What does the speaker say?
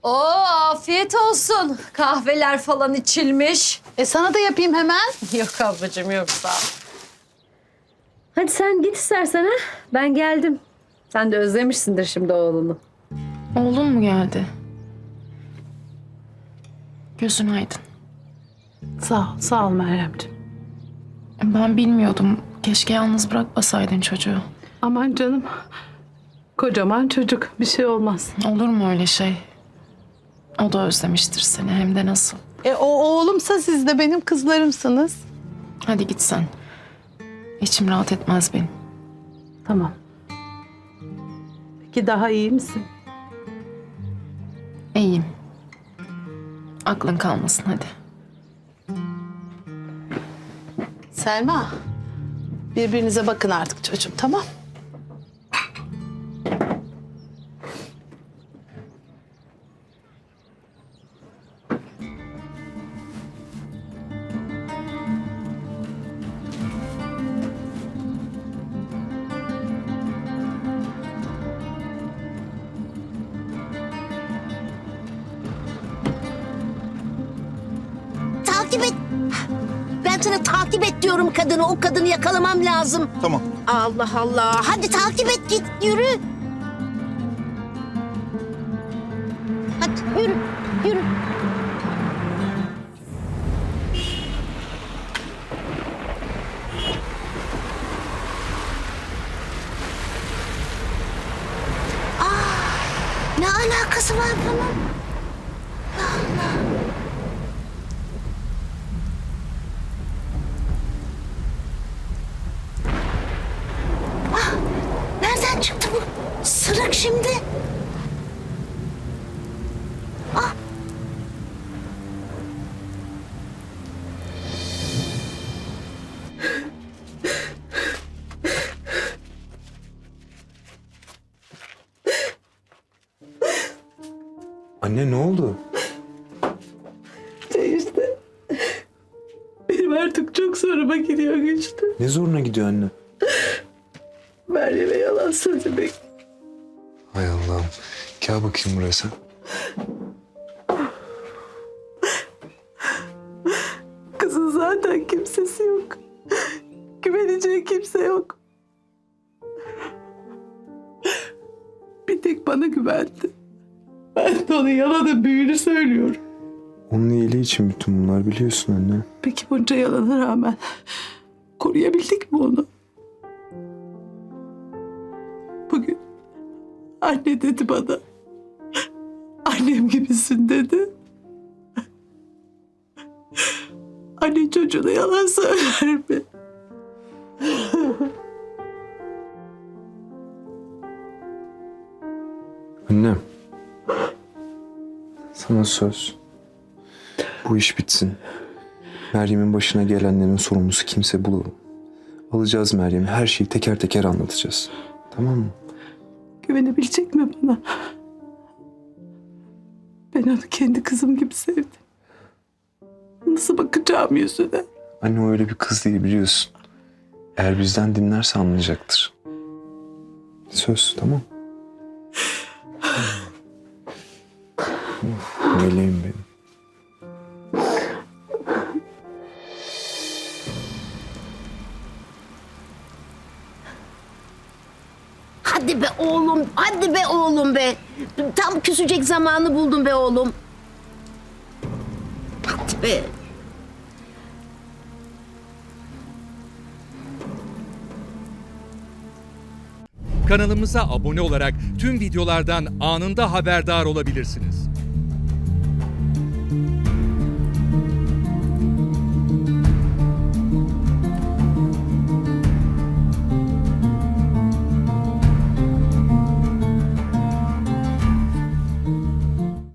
Oo, afiyet olsun. Kahveler falan içilmiş. Sana da yapayım hemen. Yok ablacığım, yok sağ ol. Hadi sen git istersen ha. Ben geldim. Sen de özlemişsindir şimdi oğlunu. Oğlun mu geldi? Gözün aydın. Sağ ol Meryemciğim. Ben bilmiyordum. Keşke yalnız bırakmasaydın çocuğu. Aman canım. Kocaman çocuk. Bir şey olmaz. Olur mu öyle şey? O da özlemiştir seni, hem de nasıl. O oğlumsa siz de benim kızlarımsınız. Hadi git sen. İçim rahat etmez benim. Tamam. Peki daha iyi misin? İyiyim. Aklın kalmasın hadi. Selma. Birbirinize bakın artık çocuğum, tamam? Takip et. Ben sana takip et diyorum kadını. O kadını yakalamam lazım. Tamam. Allah Allah. Hadi takip et, git yürü. Hadi yürü, yürü. Ne alakası var bunun? Nereden çıktı bu sırık şimdi? Ah! Anne ne oldu? İşte. Benim artık çok zoruma gidiyor Güçlü. Ne zoruna gidiyor anne? Meryem'e yalan söylemek. Hay Allah'ım. Gel bakayım buraya sen. Kızın zaten kimsesi yok. Güveneceği kimse yok. Bir tek bana güvendi. Ben de ona yalanın büyüğünü söylüyorum. Onun iyiliği için bütün bunlar, biliyorsun anne. Peki bunca yalana rağmen koruyabildik mi onu? Bugün anne dedi bana. Annem gibisin dedi. Anne çocuğuna yalan söyler mi? Annem. Sana söz. Bu iş bitsin. Meryem'in başına gelenlerin sorumlusu kimse bulalım. Alacağız Meryem'i. Her şeyi teker teker anlatacağız. Tamam mı? Güvenebilecek mi bana? Ben onu kendi kızım gibi sevdim. Nasıl bakacağım yüzüne? Anne o öyle bir kız değil, biliyorsun. Eğer bizden dinlerse anlayacaktır. Söz, tamam. Meleğim benim. Hadi be oğlum, hadi be oğlum be. Tam küsecek zamanı buldum be oğlum. Hadi be. Kanalımıza abone olarak tüm videolardan anında haberdar olabilirsiniz.